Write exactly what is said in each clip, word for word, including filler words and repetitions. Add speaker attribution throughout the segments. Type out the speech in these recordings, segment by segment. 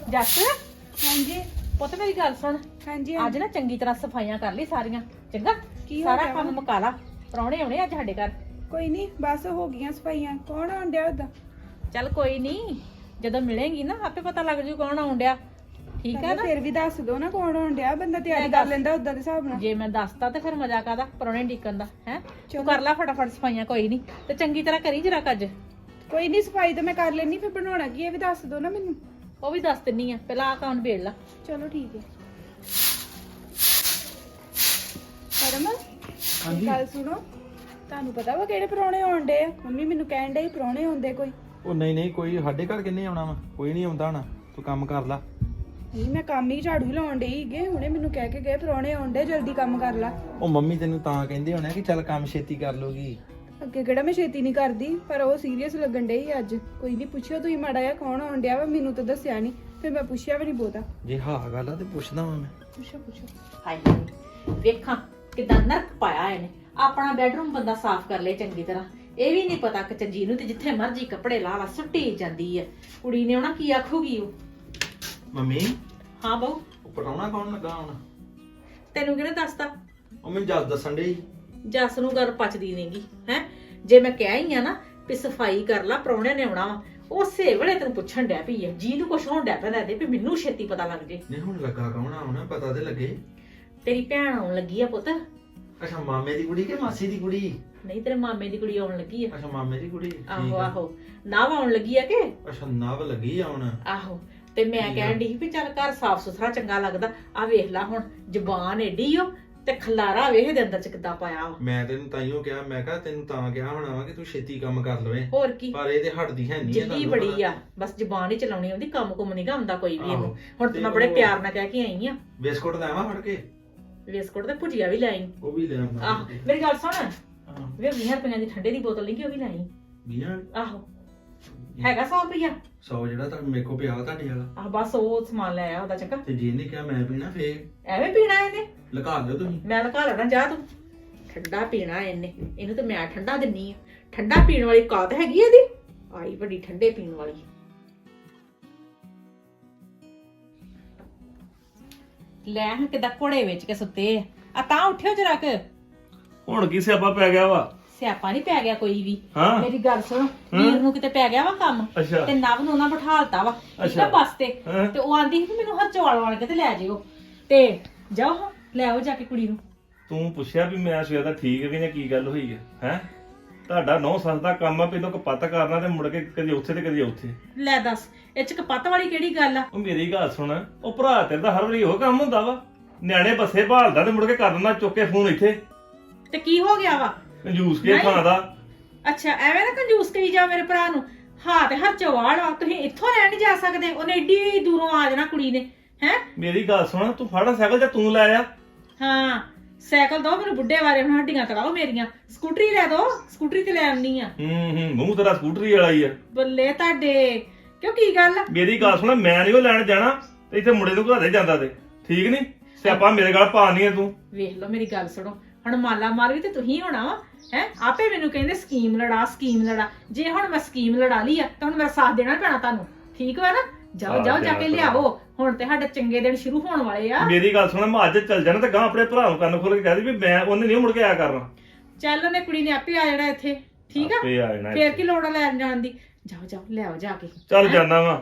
Speaker 1: ਜੱਸ
Speaker 2: ਹਾਂਜੀ
Speaker 1: ਪੁੱਤ ਮੇਰੀ ਗੱਲ ਸੁਣ
Speaker 2: ਹਾਂਜੀ
Speaker 1: ਅੱਜ ਨਾ ਚੰਗੀ ਤਰ੍ਹਾਂ ਸਫਾਈਆਂ ਕਰ ਲਈ ਸਾਰੀਆਂ ਚੰਗਾ
Speaker 2: ਕੀ ਹੋ
Speaker 1: ਸਾਰਾ
Speaker 2: ਗਿਆ
Speaker 1: ਕੰਮ
Speaker 2: ਵਾ?
Speaker 1: ਮੁਕਾ ਲਾ ਪ੍ਰਾਹੁਣੇ ਆਉਣੇ ਅੱਜ ਸਾਡੇ ਘਰ
Speaker 2: ਕੋਈ ਨਹੀਂ ਬਸ ਹੋ ਗਈਆਂ ਸਫਾਈਆਂ। ਕੌਣ ਆਉਣ ਡਿਆ ਉਹਦਾ?
Speaker 1: ਚੱਲ ਕੋਈ ਨਹੀਂ ਜਦੋਂ ਮਿਲੇਂਗੀ ਨਾ ਆਪੇ ਪਤਾ ਲੱਗ ਜੂ ਕੌਣ ਆਉਣ ਡਿਆ ਠੀਕ ਹੈ ਨਾ।
Speaker 2: ਫਿਰ ਵੀ ਦੱਸ ਦੋ ਨਾ ਕੌਣ ਆਉਣ ਡਿਆ, ਬੰਦਾ ਤਿਆਰੀ
Speaker 1: ਮੈਂ
Speaker 2: ਕਰ
Speaker 1: ਦੱਸ-
Speaker 2: ਲੈਂਦਾ ਉਦਾਂ ਦੇ ਹਿਸਾਬ ਨਾਲ।
Speaker 1: ਜੇ ਮੈਂ ਦੱਸਤਾ ਤੇ ਫਿਰ ਮਜ਼ਾ ਕਾਦਾ ਪ੍ਰਾਹੁਣੇ ਡੀਕਣ ਦਾ ਹੈ ਤੂੰ
Speaker 2: ਚਲੋ।
Speaker 1: ਕਰ ਲੈ ਫਟਾਫਟ ਸਫਾਈਆਂ ਕੋਈ ਨਹੀਂ ਤੇ ਚੰਗੀ ਤਰ੍ਹਾਂ ਕਰੀ ਜਰਾ ਕੱਜ
Speaker 2: ਕੋਈ ਨਹੀਂ ਸਫਾਈ ਤਾਂ ਮੈਂ ਕਰ ਲੈਣੀ, ਫਿਰ ਬਣਾਉਣਾ ਕੀ ਇਹ ਵੀ ਦੱਸ ਦੋ ਨਾ ਮੈਨੂੰ।
Speaker 1: ਉਹ ਵੀ ਦੱਸ ਦਿੰਨੀ ਆ ਪਹਿਲਾਂ ਆ ਕੰਮ ਵੇੜ ਲਾ
Speaker 2: ਚਲੋ ਠੀਕ ਹੈ। ਪਰਮ
Speaker 3: ਹਾਂਜੀ
Speaker 2: ਗੱਲ ਸੁਣੋ, ਤੁਹਾਨੂੰ ਪਤਾ ਵਾ ਕਿਹੜੇ ਪ੍ਰਾਹੁਣੇ ਆਉਣ ਡੇ ਆ? ਮੰਮੀ ਮੈਨੂੰ ਕਹਿਣ ਡੇ ਪ੍ਰਾਹੁਣੇ ਆਉਂਦੇ ਕੋਈ।
Speaker 3: ਉਹ ਨਹੀਂ ਨਹੀਂ ਕੋਈ ਸਾਡੇ ਘਰ ਕਿੰਨੇ ਆਉਣਾ ਵਾ, ਕੋਈ ਨਹੀਂ ਆਉਂਦਾ ਹੋਣਾ, ਤੂੰ ਕੰਮ ਕਰ ਲਾ।
Speaker 2: ਨਹੀਂ ਮੈਂ ਕੰਮ ਹੀ ਝਾੜੂ ਲਾਉਣ ਡਈ ਸੀਗੇ, ਹੁਣੇ ਮੈਨੂੰ ਕਹਿ ਕੇ ਗਏ ਪ੍ਰਾਹੁਣੇ ਆਉਣ ਡੇ, ਜਲਦੀ ਕੰਮ ਕਰ ਲਾ।
Speaker 3: ਉਹ ਮੰਮੀ ਤੈਨੂੰ ਤਾਂ ਕਹਿੰਦੇ ਹੋਣੇ ਕਿ ਚੱਲ ਕੰਮ ਛੇਤੀ ਕਰ ਲੋਗੀ।
Speaker 2: ਅੱਗੇ ਕਿਹੜਾ ਮੈਂ ਛੇਤੀ ਨਹੀਂ ਕਰਦੀ, ਪਰ ਉਹ ਸੀਰੀਅਸ ਲੱਗਣ ਡੇ ਸੀ ਅੱਜ। ਕੋਈ ਨਹੀਂ ਪੁੱਛਿਓ ਤੁਸੀਂ ਮਾੜਾ ਜਿਹਾ ਕੌਣ ਆਉਣ ਡਿਆ ਵਾ, ਮੈਨੂੰ ਤਾਂ ਦੱਸਿਆ ਨਹੀਂ, ਫਿਰ ਮੈਂ ਪੁੱਛਿਆ ਵੀ ਨਹੀਂ ਬਹੁਤਾ।
Speaker 3: ਜੇ ਹਾਂ ਗੱਲ ਆ ਤੇ ਪੁੱਛਦਾ ਵਾਂ ਮੈਂ।
Speaker 2: ਪੁੱਛੋ ਪੁੱਛੋ।
Speaker 1: ਹਾਏ ਵੇਖਾਂ ਕਿਦਾਂ ਨਰਕ ਪਾਇਆ ਇਹਨੇ। ਆਪਣਾ ਬੈਡਰੂਮ ਬੰਦਾ ਸਾਫ਼ ਕਰ ਲੇ ਚੰਗੀ ਤਰ੍ਹਾਂ, ਇਹ ਵੀ ਨਹੀਂ ਪਤਾ ਕਿ ਚੰਜੀ ਨੂੰ ਤੇ ਜਿੱਥੇ ਮਰਜੀ ਕੱਪੜੇ ਲਾ ਲਾ ਸੁੱਟੀ ਜਾਂਦੀ ਹੈ। ਕੁੜੀ ਨੇ ਉਹਨਾਂ ਕੀ ਆਖੂਗੀ ਉਹ।
Speaker 3: ਮੰਮੀ
Speaker 1: ਹਾਂ ਬਹੂ
Speaker 3: ਉਹ ਪਟਾਉਣਾ ਕੌਣ ਲੱਗਾ ਹੁਣ?
Speaker 1: ਤੈਨੂੰ ਕਿਹਨੇ ਦੱਸਤਾ?
Speaker 3: ਉਹ ਮੈਨੂੰ ਜੱਜ ਦੱਸਣ ਡਈ।
Speaker 1: ਜੱਸ ਨੂੰ ਗੱਲ ਪਚਦੀ ਨਹੀਂਗੀ ਹੈ। ਜੇ ਮੈਂ ਕਹਿ ਹੀ ਆ ਨਾ ਵੀ ਸਫਾਈ ਕਰ ਲਾ ਪ੍ਰਾਹੁਣੇ ਨੇ ਆਉਣਾ ਵਾ, ਉਸੇ ਵੇਲੇ ਤੈਨੂੰ ਪੁੱਛਣ ਡਿਆ ਪਈ ਹੈ ਜੀ ਨੂੰ ਕੁਛ ਹੋਣ ਡਿਆ ਪੈਂਦਾ ਦੇ ਵੀ ਮੈਨੂੰ ਛੇਤੀ ਪਤਾ ਲੱਗ ਜੇ।
Speaker 3: ਨਹੀਂ ਹੁਣ ਲੱਗਾ ਕੌਣ ਆ ਹੁਣ, ਪਤਾ ਤੇ ਲੱਗੇ।
Speaker 1: ਤੇਰੀ ਭੈਣ ਆਉਣ ਲੱਗੀ ਆ ਪੁੱਤ।
Speaker 3: ਅੱਛਾ ਮਾਮੇ ਦੀ ਕੁੜੀ ਕਿ ਮਾਸੀ ਦੀ ਕੁੜੀ?
Speaker 1: ਨਹੀਂ ਤੇਰੇ ਮਾਮੇ ਦੀ ਕੁੜੀ ਆਉਣ ਲੱਗੀ ਆ।
Speaker 3: ਅੱਛਾ ਮਾਮੇ ਦੀ ਕੁੜੀ। ਠੀਕ
Speaker 1: ਆਹੋ
Speaker 3: ਆ।
Speaker 1: ਆਹੋ ਨਾਵ ਆਉਣ ਲੱਗੀ ਆ ਕਿ
Speaker 3: ਅੱਛਾ ਨਵ ਲੱਗੀ ਆ ਹੁਣ।
Speaker 1: ਆਹੋ ਤੇ ਮੈਂ
Speaker 3: ਠੀਕ ਆ।
Speaker 1: ਕਹਿਣ ਡਈ ਸੀ ਵੀ ਚੱਲ ਘਰ ਸਾਫ ਸੁਥਰਾ ਚੰਗਾ ਲੱਗਦਾ। ਆ ਵੇਖ ਲਾ ਹੁਣ ਜ਼ਬਾਨ ਏਡੀ ਓ ਤੇ ਖਲਾਰਾ ਵੇਖ ਦੇ ਅੰਦਰ ਚ ਕਿੱਦਾਂ ਪਾਇਆ ਵਾ।
Speaker 3: ਮੈਂ ਤੈਨੂੰ ਤਾਈਓ ਕਿਹਾ, ਮੈਂ ਕਿਹਾ ਤੈਨੂੰ ਤਾਂ ਕਿਹਾ ਹੋਣਾ ਵਾ ਕਿ ਤੂੰ ਛੇਤੀ ਕੰਮ ਕਰ ਲਵੇਂ,
Speaker 1: ਹੋਰ ਕੀ
Speaker 3: ਪਰ ਇਹ ਤੇ ਹਟਦੀ ਹੈ ਨਹੀਂ।
Speaker 1: ਜਿੱਦੀ ਬੜੀ ਆ, ਬਸ ਜ਼ਬਾਨ ਹੀ ਚਲਾਉਣੀ ਆਉਂਦੀ, ਕੰਮ ਕੁਮ ਨਹੀਂ ਆਉਂਦਾ ਕੋਈ ਵੀ ਇਹਨੂੰ।
Speaker 3: ਆਹੋ।
Speaker 1: ਹੁਣ ਤੇ ਮੈਂ ਬੜੇ ਪਿਆਰ ਨਾਲ ਕਹਿ ਕੇ ਆਈ ਆ।
Speaker 3: ਬਿਸਕੁਟ ਲੈਵਾਂ ਫੜ ਕੇ?
Speaker 1: ਬਿਸਕੁਟ ਤੇ ਭੁਜੀਆ ਵੀ ਲਾਈ।
Speaker 3: ਉਹ ਵੀ ਲੈ ਆਉਂਦਾ।
Speaker 1: ਆਹ ਮੇਰੀ ਗੱਲ ਸੁਣ
Speaker 3: ਹਾਂ
Speaker 1: ਵੇ ਵੀਹ ਰੁਪਈਆਂ ਦੀ ਠੰਡੇ ਦੀ ਬੋਤਲ ਨਹੀਂ ਕਿ ਉਹ ਵੀ ਲਾਈ।
Speaker 3: ਵੀਹਾਂ
Speaker 1: ਆਹੋ ਹੈਗਾ ਸੌ ਰੁਪਈਆ।
Speaker 3: ਸੌ ਜਿਹੜਾ ਤਾਂ ਮੇਰੇ ਕੋ ਪਿਆ ਤੁਹਾਡੇ ਵਾਲਾ।
Speaker 1: ਆਹ ਬਸ ਉਹ ਸਮਾਨ ਲੈ ਆਇਆ ਉਹਦਾ ਚੱਕਰ।
Speaker 3: ਤੇ ਜੇ ਨੇ ਕਿਹਾ ਮੈਂ ਪੀਣਾ ਫੇਰ
Speaker 1: ਐਵੇਂ ਪੀਣਾ ਇਹਨੇ?
Speaker 3: ਲਗਾ ਦਿਓ ਤੁਸੀਂ।
Speaker 1: ਮੈਂ ਲਗਾ ਲੈਣਾ, ਜਾ ਤੂੰ। ਠੰਡਾ ਪੀਣਾ ਇਹਨੇ, ਇਹਨੂੰ ਤੇ ਮੈਂ ਠੰਡਾ ਦਿੰਨੀ ਆ। ਠੰਡਾ ਪੀਣ ਵਾਲੀ ਕਾਤ ਹੈਗੀ ਇਹਦੀ, ਆਈ ਵੱਡੀ ਠੰਡੇ ਪੀਣ ਵਾਲੀ। ਲੈ ਹਾਂ ਕਿਦਾਂ ਘੋੜੇ ਵਿੱਚ ਕੇ ਸੁੱਤੇ ਆ। ਆ ਤਾਂ ਉੱਠਿਓ ਜਰਾ ਕਿ
Speaker 4: ਹੁਣ ਕੀ ਸਿਆਪਾ ਪੈ ਗਿਆ ਵਾ?
Speaker 1: ਸਿਆਪਾ ਨਹੀਂ ਪੈ ਗਿਆ ਕੋਈ ਵੀ।
Speaker 4: ਹਾਂ
Speaker 1: ਮੇਰੀ ਗੱਲ ਸੁਣੋ, ਵੀਰ ਨੂੰ ਕਿਤੇ ਪੈ ਗਿਆ ਵਾ ਕੰਮ
Speaker 4: ਅੱਛਾ
Speaker 1: ਤੇ ਨਵ ਨੂੰ ਨਾ ਬਿਠਾਲਤਾ ਵਾ ਠੀਕ ਆ
Speaker 4: ਅੱਛਾ।
Speaker 1: ਬੱਸ ਤੇ।
Speaker 4: ਹਾਂ।
Speaker 1: ਤੇ ਉਹ ਆਂਦੀ ਸੀ ਕਿ ਮੈਨੂੰ ਹਰਚੌਲ ਵਾਲ ਕੇ ਤੇ ਲੈ ਜਿਓ, ਤੇ ਜਾਓ ਹਾਂ ਲੈ ਆਓ ਜਾ ਕੇ ਕੁੜੀ ਨੂੰ।
Speaker 4: ਤੂੰ ਪੁੱਛਿਆ ਵੀ ਮੈਂ ਸਵੇਰ ਦਾ ਠੀਕ ਵੀ ਨੇ, ਕੀ ਗੱਲ ਹੋਈ ਹੈ ਹੈ? ਤੁਹਾਡਾ ਨੌ ਸੱਸ ਦਾ ਕੰਮ ਆ ਪਹਿਲਾਂ ਕਪੱਤ ਕਰਨਾ ਤੇ ਮੁੜ ਕੇ ਕਦੀ ਉੱਥੇ ਤੇ ਕਦੀ ਉੱਥੇ।
Speaker 1: ਲੈ ਦੱਸ ਇਹ ਚ ਕਪੱਤ ਵਾਲੀ ਕਿਹੜੀ ਗੱਲ ਆ?
Speaker 4: ਉਹ ਮੇਰੀ ਗੱਲ ਸੁਣ, ਉਹ ਭਰਾ ਤੇਰੇ ਦਾ ਹਰ ਵਾਰੀ ਉਹ ਕੰਮ ਹੁੰਦਾ ਵਾ, ਨਿਆਣੇ ਬੱਸੇ ਭਾਲਦਾ ਤੇ ਮੁੜ ਕੇ ਕਰ ਦਿੰਦਾ ਚੁੱਕ ਕੇ ਫੋਨ ਇੱਥੇ।
Speaker 1: ਤੇ ਕੀ ਹੋ ਗਿਆ ਵਾ?
Speaker 4: ਕੰਜੂਸ ਕੇ
Speaker 1: ਨਹੀਂ।
Speaker 4: ਥਾਂ ਦਾ।
Speaker 1: ਅੱਛਾ ਐਵੇਂ ਨਾ ਕੰਜੂਸ ਕਰੀ ਜਾ ਮੇਰੇ ਭਰਾ ਨੂੰ। ਹਾਂ ਤੇ ਹਰਚੌਲ ਆ, ਤੁਸੀਂ ਇੱਥੋਂ ਰਹਿਣ ਨਹੀਂ ਜਾ ਸਕਦੇ? ਉਹਨੇ ਏਡੀ ਦੂਰੋਂ ਆ ਜਾਣਾ ਕੁੜੀ ਨੇ ਹੈ।
Speaker 4: ਮੇਰੀ ਗੱਲ ਸੁਣ, ਤੂੰ ਫੜਾ ਸਾਈਕਲ ਜਾਂ ਤੂੰ ਲੈ ਆ।
Speaker 1: ਹਾਂ ਸਾਈਕਲ ਦੋ ਮੈਨੂੰ, ਬੁੱਢੇ ਵਾਰੇ ਹੁਣ ਹੱਡੀਆਂ ਕਰਾਓ ਮੇਰੀਆਂ। ਸਕੂਟਰੀ ਲੈ ਦੋ, ਸਕੂਟਰੀ ਤੇ ਲੈ ਆਉਣੀ ਆ।
Speaker 4: ਹੂੰ ਹੂੰ ਮੂੰਹ ਤੇਰਾ ਸਕੂਟਰੀ ਵਾਲਾ ਹੀ ਆ।
Speaker 1: ਬੱਲੇ ਤੁਹਾਡੇ, ਕਿਉਂ ਕੀ ਗੱਲ ਆ?
Speaker 4: ਮੇਰੀ ਗੱਲ ਸੁਣ, ਮੈਂ ਨਹੀਂ ਉਹ ਲੈਣ ਜਾਣਾ ਤੇ ਇੱਥੇ ਮੁੰਡੇ ਨੂੰ ਘਰੇ ਜਾਂਦਾ ਤੇ ਠੀਕ ਨਹੀਂ। ਸਿਆਪਾ ਮੇਰੇ ਗੱਲ ਪਾਣੀ ਆ ਤੂੰ।
Speaker 1: ਵੇਖ ਲਓ ਮੇਰੀ ਗੱਲ ਸੁਣੋ, ਹੁਣ ਮਾਲਾ ਮਾਰ ਵੀ ਤੇ ਤੁਸੀਂ ਹੋਣਾ ਵਾ ਹੈ। ਆਪੇ ਮੈਨੂੰ ਕਹਿੰਦੇ ਸਕੀਮ ਲੜਾ ਸਕੀਮ ਲੜਾ। ਜੇ ਹੁਣ ਮੈਂ ਸਕੀਮ ਲੜਾ ਲਈ ਆ ਤਾਂ ਹੁਣ ਮੇਰਾ ਸਾਥ ਦੇਣਾ ਪੈਣਾ ਤੁਹਾਨੂੰ, ਠੀਕ ਵਾ ਨਾ? ਜਾਓ ਜਾਓ ਜਾ ਕੇ ਲਿਆਓ, ਹੁਣ ਤੇ ਸਾਡੇ ਚੰਗੇ ਦਿਨ ਸ਼ੁਰੂ ਹੋਣ ਵਾਲੇ ਆ।
Speaker 4: ਮੇਰੀ ਗੱਲ ਸੁਣ, ਮੈਂ ਅੱਜ ਚੱਲ ਜਾਣਾ ਤੇ ਗਾਂ ਆਪਣੇ ਭਰਾ ਨੂੰ ਕੰਨ ਖੋਲ ਕੇ ਕਹਿ ਦੇ ਵੀ ਮੈਂ ਉਹਨੇ ਨਹੀਂ ਮੁੜ ਕੇ ਆਇਆ ਕਰਨਾ।
Speaker 1: ਚੱਲ ਉਹਨੇ ਕੁੜੀ ਨੇ ਆਪੇ ਆ ਜਾਣਾ ਇੱਥੇ, ਠੀਕ ਆ?
Speaker 4: ਆਪੇ ਆ ਜਾਣਾ
Speaker 1: ਫੇਰ
Speaker 4: ਇੱਥੇ।
Speaker 1: ਕੀ ਲੋੜ ਆ ਲੈਣ ਜਾਣ ਦੀ? ਜਾਓ ਜਾਓ ਲਿਆਓ ਜਾ ਕੇ।
Speaker 4: ਚੱਲ ਜਾਣਾ ਵਾ।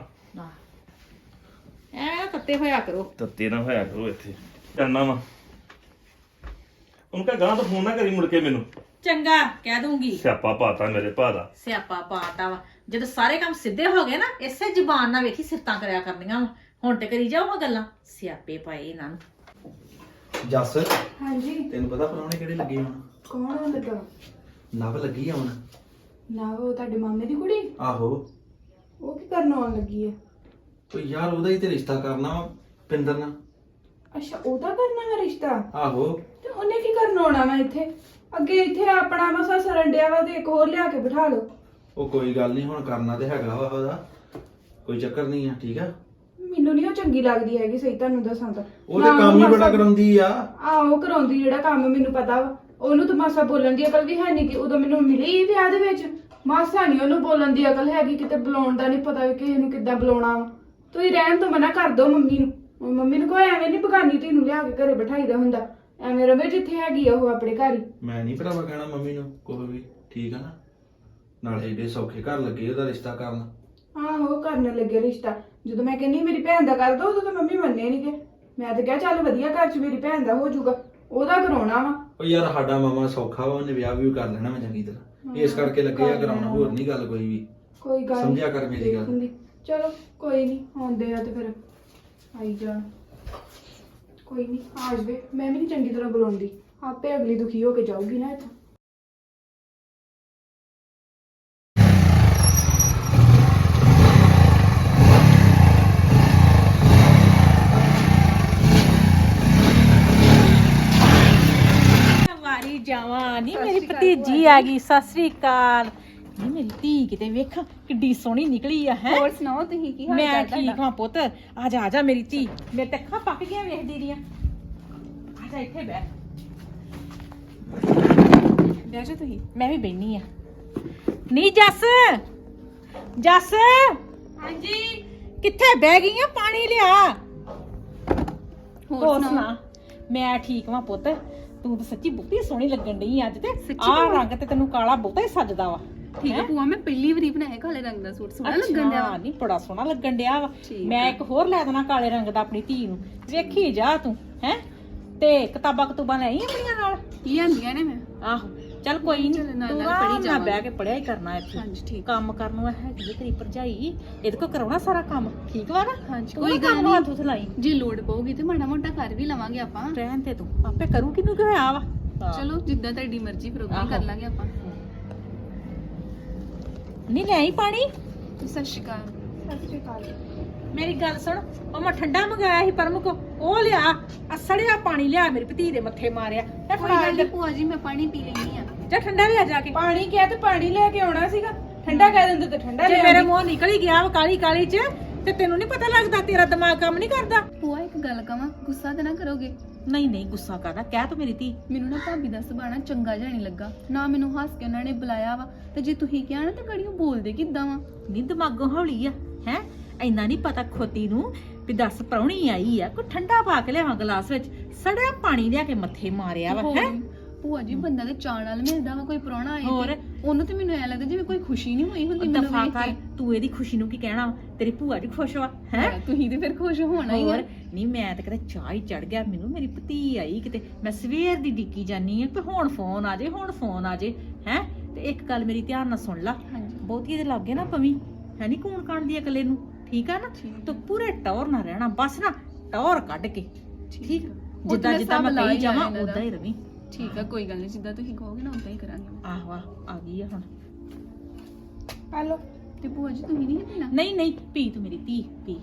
Speaker 1: ਐ ਕੱਤੇ ਹੋਇਆ ਕਰੋ।
Speaker 4: ਤੱਤੇ ਨਾ ਹੋਇਆ ਕਰੋ ਇੱਥੇ। ਜਾਣਾ ਵਾ। ਉਹਨੂੰ ਕਹ ਗਾਂ ਤਾਂ ਫੋਨ ਨਾ ਕਰੀ ਮੁੜ ਕੇ ਮੈਨੂੰ।
Speaker 1: ਚੰਗਾ ਕਹਿ ਦੂੰਗੀ।
Speaker 4: ਸਿਆਪਾ ਪਾਤਾ ਮੇਰੇ ਭਾ ਦਾ।
Speaker 1: ਸਿਆਪਾ ਪਾਤਾ ਵਾ। ਜਦੋਂ ਸਾਰੇ ਕੰਮ ਸਿੱਧੇ ਹੋ ਗਏ ਨਾ, ਇਸੇ ਜ਼ੁਬਾਨ ਨਾਲ ਵੇਖੀ ਸਿਫਤਾਂ ਕਰਿਆ ਕਰਨੀਆਂ ਵਾ। ਹੁਣ ਤੇ ਕਰੀ ਜਾਓ ਹਾਂ ਗੱਲਾਂ। ਸਿਆਪੇ ਪਾਏ ਇਹਨਾਂ ਨੂੰ।
Speaker 3: ਜੱਸ
Speaker 2: ਹਾਂਜੀ
Speaker 3: ਤੈਨੂੰ ਪਤਾ ਪ੍ਰਾਹੁਣੇ ਕਿਹੜੇ ਲੱਗੇ ਹੁਣ?
Speaker 2: ਕੌਣ ਆਉਣ ਲੱਗਾ?
Speaker 3: ਨਵ ਲੱਗੀ ਆ ਹੁਣ।
Speaker 2: ਨਾ ਉਹ ਤੁਹਾਡੇ ਮਾਮੇ ਦੀ ਕੁੜੀ?
Speaker 3: ਆਹੋ।
Speaker 2: ਉਹ ਕੀ ਕਰਨ ਆਉਣ ਲੱਗੀ ਹੈ?
Speaker 3: ਉਹ ਯਾਰ ਉਹਦਾ ਹੀ ਤੇ ਰਿਸ਼ਤਾ ਕਰਨਾ ਵਾ ਪਿੰਦਰ ਨਾਲ।
Speaker 2: ਅੱਛਾ ਉਹਦਾ ਕਰਨਾ ਹੈ ਰਿਸ਼ਤਾ?
Speaker 3: ਆਹੋ।
Speaker 2: ਤੇ ਉਹਨੇ ਕੀ ਕਰਨ ਆਉਣਾ ਵਾ ਇੱਥੇ? ਅੱਗੇ ਇੱਥੇ ਆਪਣਾ ਮਸਾ ਸਰੰਡਿਆ ਵਾ ਤੇ ਇੱਕ ਹੋਰ ਲਿਆ ਕੇ ਬਿਠਾ ਲਓ।
Speaker 3: ਉਹ ਕੋਈ ਗੱਲ ਨਹੀਂ, ਹੁਣ ਕਰਨਾ ਤੇ ਹੈਗਾ ਵਾ ਉਹਦਾ, ਕੋਈ ਚੱਕਰ ਨਹੀਂ ਆ, ਠੀਕ ਆ?
Speaker 2: ਮੈਨੂੰ ਨਹੀਂ ਉਹ ਚੰਗੀ ਲੱਗਦੀ ਹੈਗੀ, ਸਹੀ ਤੁਹਾਨੂੰ ਦੱਸਾਂ ਤਾਂ।
Speaker 3: ਉਹ ਤੇ ਕੰਮ ਹੀ ਬੜਾ ਕਰਾਉਂਦੀ ਆ।
Speaker 2: ਆਹੋ ਕਰਾਉਂਦੀ ਜਿਹੜਾ ਕੰਮ, ਮੈਨੂੰ ਪਤਾ ਵਾ। ਉਹਨੂੰ ਤਾਂ ਮਾਸਾ ਬੋਲਣ ਦੀ ਅਕਲ ਵੀ ਹੈ ਨਹੀਂ ਕਿ ਉਦੋਂ ਮੈਨੂੰ ਮਿਲੀ ਵਿਆਹ ਦੇ ਵਿੱਚ। ਮਾਸਾ ਨਹੀਂ ਉਹਨੂੰ ਬੋਲਣ ਦੀ ਅਕਲ ਹੈਗੀ, ਕਿਤੇ ਬੁਲਾਉਣ ਦਾ ਨਹੀਂ ਪਤਾ ਕਿ ਕਿਸੇ ਨੂੰ ਕਿੱਦਾਂ ਬੁਲਾਉਣਾ ਵਾ। ਤੁਸੀਂ ਰਹਿਣ ਤੋਂ ਮਨਾ ਕਰ ਦੋ ਮੰਮੀ ਨੂੰ ਉਹ ਮੰਮੀ ਨੂੰ ਕੋਈ ਐਵੇਂ ਨਹੀਂ ਬਗਾਨੀ ਤੈਨੂੰ ਲਿਆ ਕੇ ਘਰੇ ਬਿਠਾਈਦਾ ਹੁੰਦਾ ਐਵੇਂ ਰਵੇ ਜਿੱਥੇ ਹੈਗੀ ਆ ਉਹ ਆਪਣੇ ਘਰ ਹੀ।
Speaker 3: ਮੈਂ ਨਹੀਂ ਭਰਾਵਾ ਕਹਿਣਾ ਮੰਮੀ ਨੂੰ ਕੋਈ ਵੀ, ਠੀਕ ਆ ਨਾ। ਨਾਲੇ ਏਡੇ ਸੌਖੇ ਘਰ ਲੱਗੇ ਉਹਦਾ ਰਿਸ਼ਤਾ ਕਰਨ।
Speaker 2: ਆਹੋ ਕਰਨ ਲੱਗੇ ਰਿਸ਼ਤਾ, ਜਦੋਂ ਮੈਂ ਕਹਿੰਨੀ ਮੇਰੀ ਭੈਣ ਦਾ ਕਰ ਦੋ ਉਦੋਂ ਤਾਂ ਮੰਮੀ ਮੰਨੇ ਨਹੀਂ ਗਏ। ਮੈਂ ਤਾਂ ਕਿਹਾ ਚੱਲ ਵਧੀਆ ਘਰ 'ਚ ਮੇਰੀ ਭੈਣ ਦਾ ਹੋ ਜਾਊਗਾ, ਉਹਦਾ ਕਰਾਉਣਾ ਵਾ।
Speaker 3: ਉਹ ਯਾਰ ਸਾਡਾ ਮਾਮਾ ਸੌਖਾ ਵਾ, ਉਹਨੇ ਵਿਆਹ ਵੀ ਕਰ ਲੈਣਾ ਮੈਂ ਚੰਗੀ ਤਰ੍ਹਾਂ, ਇਸ ਕਰਕੇ ਲੱਗੇ ਆ ਕਰਾਉਣਾ, ਹੋਰ ਨਹੀਂ ਗੱਲ ਕੋਈ ਵੀ।
Speaker 2: ਕੋਈ ਗੱਲ ਨੀ,
Speaker 3: ਸਮਝਿਆ ਕਰ ਮੇਰੀ ਗੱਲ।
Speaker 2: ਦੇਖੂੰਗੀ। ਚਲੋ ਕੋਈ ਨਹੀਂ ਆਉਂਦੇ ਆ ਤੇ ਫਿਰ ਆਈ ਜਾਣ, ਕੋਈ ਨਹੀਂ ਆ ਜਾਵੇ। ਮੈਂ ਵੀ ਨਹੀਂ ਚੰਗੀ ਤਰ੍ਹਾਂ ਬੁਲਾਉਂਦੀ, ਆਪੇ ਅਗਲੀ ਦੁਖੀ ਹੋ ਕੇ ਜਾਊਗੀ ਨਾ ਇੱਥੋਂ।
Speaker 1: ਵਾਰੀ ਜਾਵਾਂ ਨੀ ਮੇਰੀ ਭਤੀਜੀ ਆ ਗਈ। ਸਤਿ ਸ੍ਰੀ ਅਕਾਲ। ਨੀ ਮੇਰੀ ਧੀ ਕਿਤੇ ਵੇਖ ਕਿੱਡੀ ਸੋਹਣੀ ਨਿਕਲੀ ਆ ਹੈ।
Speaker 2: ਹੋਰ ਸੁਣਾਓ ਤੁਸੀਂ ਕੀ ਹਾਲ
Speaker 1: ਮੈਂ
Speaker 2: ਚਾਲ
Speaker 1: ਠੀਕ
Speaker 2: ਤੁਹਾਡਾ?
Speaker 1: ਹਾਂ ਪੁੱਤ, ਆ ਜਾ ਆ ਜਾ ਮੇਰੀ ਧੀ, ਮੇਰੇ ਤੇ ਅੱਖਾਂ ਪੱਕ ਗਈਆਂ ਵੇਖਦੀ ਦੀਆਂ। ਆ ਜਾ ਇੱਥੇ ਬਹਿ,
Speaker 2: ਬਹਿ ਜਾ ਤੁਸੀਂ।
Speaker 1: ਮੈਂ ਵੀ ਬੈਣੀ ਆ। ਨੀ ਜੱਸ, ਜੱਸ
Speaker 2: ਹਾਂਜੀ
Speaker 1: ਕਿੱਥੇ ਬਹਿ ਗਈ ਆ? ਪਾਣੀ ਲਿਆ।
Speaker 2: ਹੋਰ
Speaker 1: ਹੋਰ
Speaker 2: ਸੁਣਾ?
Speaker 1: ਸੁਣਾ? ਮੈਂ ਠੀਕ ਵਾਂ ਪੁੱਤ, ਤੂੰ ਤਾਂ ਸੱਚੀ ਬਹੁਤੀ ਸੋਹਣੀ ਲੱਗਣ ਡਈ ਅੱਜ ਤੇ।
Speaker 2: ਸੱਚੀ
Speaker 1: ਆਹ
Speaker 2: ਭੂਆ?
Speaker 1: ਰੰਗ ਤੇ ਤੈਨੂੰ ਕਾਲਾ ਬਹੁਤਾ ਹੀ ਸੱਜਦਾ ਵਾ।
Speaker 2: ਠੀਕ ਹੈ
Speaker 1: ਹੈਂ?
Speaker 2: ਭੂਆ, ਮੈਂ ਪਹਿਲੀ ਵਾਰੀ ਬਣਾਇਆ ਕਾਲੇ ਰੰਗ ਦਾ ਸੂਟ, ਸੋਹਣਾ ਲੱਗਣ ਡਿਆ ਵਾ।
Speaker 1: ਨਹੀਂ ਬੜਾ ਸੋਹਣਾ ਲੱਗਣ ਡਿਆ ਵਾ।
Speaker 2: ਠੀਕ
Speaker 1: ਮੈਂ
Speaker 2: ਆ।
Speaker 1: ਇੱਕ ਹੋਰ ਲੈ ਦੇਣਾ ਕਾਲੇ ਰੰਗ ਦਾ ਆਪਣੀ ਧੀ ਨੂੰ, ਵੇਖੀ ਜਾ ਤੂੰ ਹੈ। ਤੇ ਕਿਤਾਬਾਂ ਕਤੂਬਾਂ ਲੈ ਆਈ ਆਪਣੀਆਂ ਨਾਲ?
Speaker 2: ਲਿਆਂਦੀਆਂ ਨੇ ਮੈਂ।
Speaker 1: ਆਹੋ ਚੱਲ ਕੋਈ ਨਹੀਂ,
Speaker 2: ਚੱਲ ਨਾਲ
Speaker 1: ਤੂੰ
Speaker 2: ਨਾਲ
Speaker 1: ਆਰਾਮ
Speaker 2: ਪੜ੍ਹੀ
Speaker 1: ਨਾਲ ਬਹਿ
Speaker 2: ਜਾਵਾਂਗੇ।
Speaker 1: ਕੇ ਪੜਿਆ ਹੀ ਕਰਨਾ ਇੱਥੇ।
Speaker 2: ਹਾਂਜੀ ਠੀਕ।
Speaker 1: ਕੰਮ ਕਰਨ ਨੂੰ ਹੈਗੀ ਹੈ ਤੇਰੀ ਭਰਜਾਈ, ਇਹਦੇ ਕੋਲ ਕਰਾਉਣਾ ਸਾਰਾ ਕੰਮ, ਠੀਕ ਵਾ ਨਾ?
Speaker 2: ਹਾਂਜੀ,
Speaker 1: ਤੂੰ
Speaker 2: ਕੋਈ
Speaker 1: ਨਾ
Speaker 2: ਗੱਲ
Speaker 1: ਕੰਮ
Speaker 2: ਨੀ।
Speaker 1: ਹੱਥ ਉੱਥੇ ਲਾਈ,
Speaker 2: ਜੇ ਲੋੜ ਪਊਗੀ ਤੇ ਮਾੜਾ ਮੋਟਾ ਕਰ ਵੀ ਲਵਾਂਗੇ ਆਪਾਂ।
Speaker 1: ਰਹਿਣ ਤੇ ਤੂੰ ਆਪੇ ਕਰੂ ਕਿਨੂੰ ਕਿ ਹੋਇਆ ਵਾ। ਹਾਂ।
Speaker 2: ਚਲੋ ਜਿੱਦਾਂ ਤੁਹਾਡੀ ਮਰਜ਼ੀ ਫਿਰ ਉਦਾਂ ਹੀ ਕਰ
Speaker 1: ਆਹੋ।
Speaker 2: ਲਾਂਗੇ ਆਪਾਂ।
Speaker 1: ਨਹੀਂ ਲੈ ਆਈ ਪਾਣੀ?
Speaker 2: ਸਤਿ ਸ਼੍ਰੀ ਅਕਾਲ। ਸਤਿ ਸ਼੍ਰੀ ਅਕਾਲ।
Speaker 1: ਮੇਰੀ ਗੱਲ ਸੁਣ, ਉਹ ਮੈਂ ਠੰਡਾ ਮੰਗਾਇਆ ਸੀ ਪਰਮ ਕੋ, ਉਹ ਲਿਆ। ਅਸੜਿਆ ਪਾਣੀ ਲਿਆ, ਮੇਰੀ ਭਤੀ ਦੇ ਮੱਥੇ ਮਾਰਿਆ ਤੇ
Speaker 2: ਕੋਈ
Speaker 1: ਫੜਾ
Speaker 2: ਗੱਲ ਨੀ
Speaker 1: ਇੱਧਰ।
Speaker 2: ਭੂਆ ਜੀ, ਮੈਂ ਪਾਣੀ ਪੀ ਲੈਣੀ ਆ।
Speaker 1: ਜਾ ਠੰਡਾ ਲਿਆ ਜਾ ਕੇ।
Speaker 2: ਪਾਣੀ ਕਿਹਾ ਤੇ ਪਾਣੀ ਲੈ ਕੇ ਆਉਣਾ ਸੀਗਾ, ਠੰਡਾ ਕਹਿ ਦਿੰਦੇ ਤੇ ਠੰਡਾ
Speaker 1: ਜੇ
Speaker 2: ਲੈ
Speaker 1: ਮੇਰੇ
Speaker 2: ਆਉਂਦੀ।
Speaker 1: ਮੂੰਹ ਨਿਕਲ ਹੀ ਗਿਆ ਵਾ ਕਾਲੀ ਕਾਲੀ ਚ, ਤੇ ਤੈਨੂੰ ਨਹੀਂ ਪਤਾ ਲੱਗਦਾ? ਤੇਰਾ ਦਿਮਾਗ ਕੰਮ ਨਹੀਂ ਕਰਦਾ?
Speaker 2: ਭੂਆ ਇੱਕ ਗੱਲ ਕਵਾਂ, ਗੁੱਸਾ ਤੇ ਨਾ ਕਰੋਗੇ?
Speaker 1: ਨਹੀਂ ਨਹੀਂ ਗੁੱਸਾ ਕਰਦਾ, ਕਹਿ ਤੂੰ ਮੇਰੀ ਧੀ।
Speaker 2: ਮੈਨੂੰ ਨਾ ਭਾਬੀ ਦਾ ਸੁਭਾਅ ਚੰਗਾ ਜਿਹਾ ਨਹੀਂ ਲੱਗਾ, ਨਾ ਮੈਨੂੰ ਹੱਸ ਕੇ ਉਹਨਾਂ ਨੇ ਬੁਲਾਇਆ ਵਾ, ਤੇ ਜੇ ਤੁਸੀਂ ਕਿਹਾ ਨਾ ਤੇ ਗੜੀਓ ਬੋਲਦੇ ਕਿੱਦਾਂ ਵਾ?
Speaker 1: ਨੀ ਦਿਮਾਗੋਂ ਹੌਲੀ ਆ ਹੈ, ਇੰਨਾ ਨਹੀਂ ਪਤਾ ਖੋਤੀ ਨੂੰ ਵੀ ਦੱਸ ਪ੍ਰਾਹੁਣੀ ਆਈ ਆ, ਕੋਈ ਠੰਡਾ ਪਾ ਕੇ ਲਿਆਵਾਂ ਗਲਾਸ ਵਿੱਚ, ਸੜਿਆ ਪਾਣੀ ਲਿਆ ਕੇ ਮੱਥੇ ਮਾਰਿਆ ਵਾ ਹੈ।
Speaker 2: ਭੂਆ ਜੀ ਬੰਦਾ ਤੇ ਚਾਅ ਨਾਲ ਮਿਲਦਾ ਵਾ, ਕੋਈ ਪ੍ਰਾਹੁਣਾ ਆਏ
Speaker 1: ਹੋਰ?
Speaker 2: ਤੇ ਉਹਨੂੰ ਤੇ ਮੈਨੂੰ ਐ ਲੱਗਦਾ ਜਿਵੇਂ ਕੋਈ ਖੁਸ਼ੀ ਨਹੀਂ ਹੋਈ ਹੁੰਦੀ ਮੈਨੂੰ
Speaker 1: ਦਫਾ
Speaker 2: ਵੇਖ
Speaker 1: ਕਰ,
Speaker 2: ਕੇ।
Speaker 1: ਤੂੰ ਇਹਦੀ ਖੁਸ਼ੀ ਨੂੰ ਕੀ ਕਹਿਣਾ ਵਾ? ਤੇਰੀ ਭੂਆ ਜੀ ਖੁਸ਼ ਵਾ ਹੈ।
Speaker 2: ਤੁਸੀਂ ਤੇ ਫਿਰ ਖੁਸ਼ ਹੋਣਾ ਹੀ ਆ।
Speaker 1: ਹੋਰ ਨਹੀਂ, ਮੈਂ ਤਾਂ ਕਿਤੇ ਚਾਹ ਹੀ ਚੜ ਗਿਆ ਮੈਨੂੰ, ਮੇਰੀ ਭਤੀ ਆਈ ਕਿਤੇ, ਮੈਂ ਸਵੇਰ ਦੀ ਡਿੱਕੀ ਜਾਨੀ ਆ ਕਿ ਹੁਣ ਫੋਨ ਆ ਜੇ, ਹੁਣ ਫੋਨ ਆ ਜੇ ਹੈ। ਤੇ ਇੱਕ ਗੱਲ ਮੇਰੀ ਧਿਆਨ ਨਾਲ ਸੁਣ ਲਾ,
Speaker 2: ਹਾਂਜੀ
Speaker 1: ਬਹੁਤੀ ਇਹਦੇ ਲੱਗੇ ਨਾ ਪਵੀ ਹੈ, ਨਹੀਂ ਕੂਣ ਕਾਣ ਦੀ ਇਕੱਲੇ ਨੂੰ, ਠੀਕ ਆ ਨਾ?
Speaker 2: ਠੀਕ।
Speaker 1: ਤੂੰ ਪੂਰੇ ਟੌਰ ਨਾ ਰਹਿਣਾ, ਬਸ ਨਾ ਟੌਰ ਕੱਢ ਕੇ, ਠੀਕ?
Speaker 2: ਉਹ
Speaker 1: ਜਿੱਦਾਂ
Speaker 2: ਤਾਂ
Speaker 1: ਜਿੱਦਾਂ
Speaker 2: ਸਭ
Speaker 1: ਮੈਂ
Speaker 2: ਲਾ
Speaker 1: ਕਹੀ
Speaker 2: ਹੀ
Speaker 1: ਜਾਵਾਂ
Speaker 2: ਜਾਣਾ
Speaker 1: ਉਦਾਂ ਹੀ ਰਵੀ।
Speaker 2: ਠੀਕ ਆ, ਕੋਈ ਗੱਲ ਨਹੀਂ, ਜਿੱਦਾਂ ਤੁਸੀਂ ਕਹੋਗੇ ਨਾ ਉਦਾਂ ਹੀ ਕਰਾਂਗੇ।
Speaker 1: ਆਹੋ ਆਹ ਆ ਗਈ ਆ ਹੁਣ।
Speaker 2: ਹੈਲੋ, ਤੇ ਭੂਆ ਜੀ ਤੁਸੀਂ ਨਹੀਂ ਪੀਣਾ?
Speaker 1: ਨਹੀਂ ਨਹੀਂ ਪੀ ਤੂੰ ਮੇਰੀ ਧੀ, ਪੀ।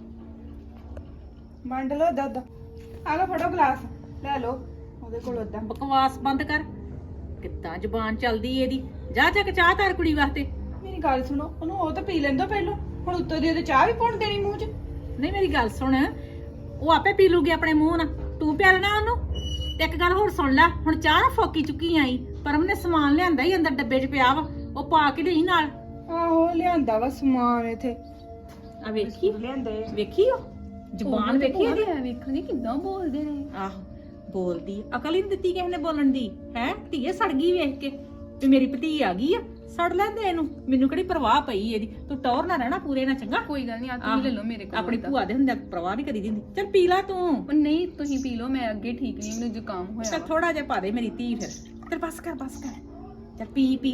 Speaker 2: ਵੰਡ ਲਓ ਦੁੱਧ, ਆ ਲਓ ਫੜੋ ਗਲਾਸ, ਲੈ ਲਓ ਉਹਦੇ ਕੋਲ ਉਦਾਂ।
Speaker 1: ਬਕਵਾਸ ਬੰਦ ਕਰ, ਕਿੱਦਾਂ ਜ਼ੁਬਾਨ ਚੱਲਦੀ ਇਹਦੀ। ਜਾ ਜਾ ਕੇ ਚਾਹ ਧਰ ਕੁੜੀ ਵਾਸਤੇ।
Speaker 2: ਮੇਰੀ ਗੱਲ ਸੁਣੋ, ਉਹਨੂੰ ਉਹ ਤਾਂ ਪੀ ਲੈਂਦਾ ਪਹਿਲਾਂ, ਹੁਣ ਉੱਤੋਂ ਦੀ ਉਹਦੇ ਚਾਹ ਵੀ ਪਾਉਣ ਦੇਣੀ ਮੂੰਹ 'ਚ?
Speaker 1: ਨਹੀਂ ਮੇਰੀ ਗੱਲ ਸੁਣ, ਉਹ ਆਪੇ ਪੀ ਲੂਗੀ ਆਪਣੇ ਮੂੰਹ ਨਾਲ, ਤੂੰ ਪਿਆ ਲੈਣਾ ਉਹਨੂੰ। ਤੇ ਇੱਕ ਗੱਲ ਹੋਰ ਸੁਣ ਲੈ, ਹੁਣ ਚਾਹ ਨਾ ਫੋਕੀ ਚੁੱਕੀ ਆਈ, ਪਰਮ ਨੇ ਸਮਾਨ ਲਿਆਂਦਾ ਹੀ ਅੰਦਰ ਡੱਬੇ 'ਚ ਪਿਆ ਵਾ, ਉਹ ਪਾ ਕੇ ਲਈ ਨਾਲ।
Speaker 2: ਆਹੋ ਲਿਆਂਦਾ ਵਾ ਸਮਾਨ ਇੱਥੇ,
Speaker 1: ਆ ਵੇਖੀ,
Speaker 2: ਲਿਆਂਦੇ
Speaker 1: ਵੇਖੀ ਉਹ ਜ਼ੁਬਾਨ ਵੇਖੀ ਇਹਦੀ।
Speaker 2: ਵੇਖਣੀ ਕਿੱਦਾਂ ਬੋਲਦੇ ਨੇ।
Speaker 1: ਆਹੋ ਬੋਲਦੀ, ਅਕਲ ਹੀ ਨੀ ਦਿੱਤੀ ਕਿਸੇ ਨੇ ਬੋਲਣ ਦੀ ਹੈ। ਧੀਏ ਸੜ ਗਈ ਵੇਖ ਕੇ ਵੀ ਮੇਰੀ ਭਤੀ ਆ ਗਈ ਆ, ਸੜ ਲੈਂਦੇ ਇਹਨੂੰ, ਮੈਨੂੰ ਕਿਹੜੀ ਪਰਵਾਹ ਪਈ ਇਹਦੀ। ਤੂੰ ਟੌਰ ਨਾ ਰਹਿਣਾ ਪੂਰੇ ਨਾ, ਚੰਗਾ?
Speaker 2: ਕੋਈ ਗੱਲ ਨਹੀਂ, ਆ ਤੁਸੀਂ ਲੈ ਲਓ ਮੇਰੇ ਕੋਲ।
Speaker 1: ਆਪਣੀ ਭੂਆ ਦੇ ਹੁੰਦੇ ਪਰਵਾਹ ਨਹੀਂ ਕਰੀ ਦਿੰਦੀ। ਚੱਲ ਪੀ ਲਾ ਤੂੰ।
Speaker 2: ਉਹ ਨਹੀਂ ਤੁਸੀਂ ਪੀ ਲਓ, ਮੈਂ ਅੱਗੇ ਠੀਕ ਨਹੀਂ, ਮੈਨੂੰ ਜ਼ੁਕਾਮ ਹੋਇਆ
Speaker 1: ਚੱਲ
Speaker 2: ਵਾ।
Speaker 1: ਥੋੜਾ ਜਿਹਾ ਪਾ ਦੇ ਮੇਰੀ ਧੀ ਫਿਰ। ਚੱਲ ਬਸ ਕਰ ਬਸ ਕਰ, ਚੱਲ ਪੀ ਪੀ।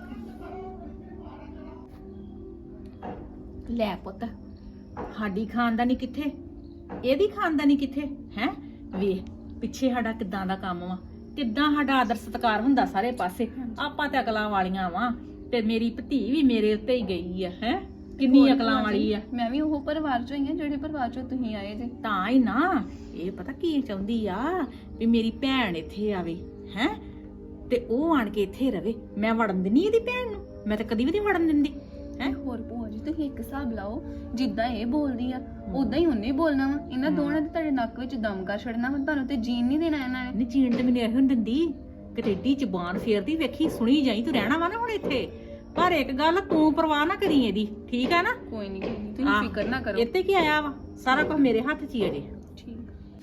Speaker 1: ਲੈ ਪੁੱਤ, ਸਾਡੀ ਖਾਨਦਾਨੀ ਕਿੱਥੇ, ਇਹਦੀ ਖਾਨਦਾਨੀ ਕਿੱਥੇ ਹੈ? ਵੇਖ ਪਿੱਛੇ ਸਾਡਾ ਕਿੱਦਾਂ ਦਾ ਕੰਮ ਵਾ, ਕਿੱਦਾਂ ਸਾਡਾ ਆਦਰ ਸਤਿਕਾਰ ਹੁੰਦਾ ਸਾਰੇ ਪਾਸੇ। ਆਪਾਂ ਤੇ ਅਕਲਾਂ ਵਾਲੀਆਂ ਵਾ, ਤੇ ਮੇਰੀ ਭਤੀ ਵੀ ਮੇਰੇ ਉੱਤੇ ਹੀ ਗਈ ਆ ਹੈ, ਕਿੰਨੀ
Speaker 2: ਹੋਰ
Speaker 1: ਅਕਲਾਂ
Speaker 2: ਭੂਆ
Speaker 1: ਵਾਲੀ
Speaker 2: ਜੀ,
Speaker 1: ਆ।
Speaker 2: ਮੈਂ ਵੀ ਉਹ ਪਰਿਵਾਰ ਚੋਂ ਹੀ ਆ ਜਿਹੜੇ ਪਰਿਵਾਰ ਚੋਂ ਤੁਸੀਂ ਆਏ ਜੇ।
Speaker 1: ਤਾਂ ਹੀ ਨਾ, ਇਹ ਪਤਾ ਕੀ ਚਾਹੁੰਦੀ ਆ ਵੀ ਮੇਰੀ ਭੈਣ ਇੱਥੇ ਆਵੇ ਹੈ, ਤੇ ਉਹ ਆਣ ਕੇ ਇੱਥੇ ਰਵੇ। ਮੈਂ ਵੜਨ ਦਿੰਦੀ ਇਹਦੀ ਭੈਣ ਨੂੰ, ਮੈਂ ਤਾਂ ਕਦੀ ਵੀ ਨਹੀਂ ਵੜਨ ਦਿੰਦੀ ਹੈ।
Speaker 2: ਹੋਰ ਭੂਆ ਜੀ ਤੁਸੀਂ ਇੱਕ ਹਿਸਾਬ ਲਾਓ, ਜਿੱਦਾਂ ਇਹ ਬੋਲਦੀ ਆ ਉਦਾਂ ਹੀ ਉਹਨੇ ਬੋਲਣਾ ਵਾ। ਇਹਨਾਂ ਦੋਨਾਂ ਦੇ ਤੁਹਾਡੇ ਨੱਕ ਵਿੱਚ ਦਮ ਕਰ ਛੱਡਣਾ ਵਾ, ਤੁਹਾਨੂੰ ਤੇ ਜੀਣ ਨਹੀਂ ਦੇਣਾ ਇਹਨਾਂ ਨੇ।
Speaker 1: ਨਹੀਂ ਜੀਣ ਤੇ ਮੈਨੂੰ ਇਹੋ ਨੀ ਦਿੰਦੀ, ਕਿਤੇ ਏਡੀ ਜ਼ੁਬਾਨ ਫੇਰਦੀ ਵੇਖੀ, ਸੁਣੀ ਜਾਈ। ਤੂੰ ਰਹਿਣਾ ਵਾ ਨਾ ਹੁਣ ਇੱਥੇ, ਪਰ ਇੱਕ ਗੱਲ ਤੂੰ ਪਰਵਾਹ ਨਾ ਕਰੀ ਇਹਦੀ, ਠੀਕ ਆ ਨਾ?
Speaker 2: ਕੋਈ ਨਹੀਂ ਕੋਈ ਨਹੀਂ ਤੁਸੀਂ
Speaker 1: ਹਾਂ।
Speaker 2: ਫਿਕਰ ਨਾ ਕਰੋ।
Speaker 1: ਇੱਥੇ ਕੀ ਆਇਆ ਵਾ, ਸਾਰਾ ਕੁਝ ਮੇਰੇ ਹੱਥ 'ਚ ਹੀ ਅਜੇ।
Speaker 2: ਠੀਕ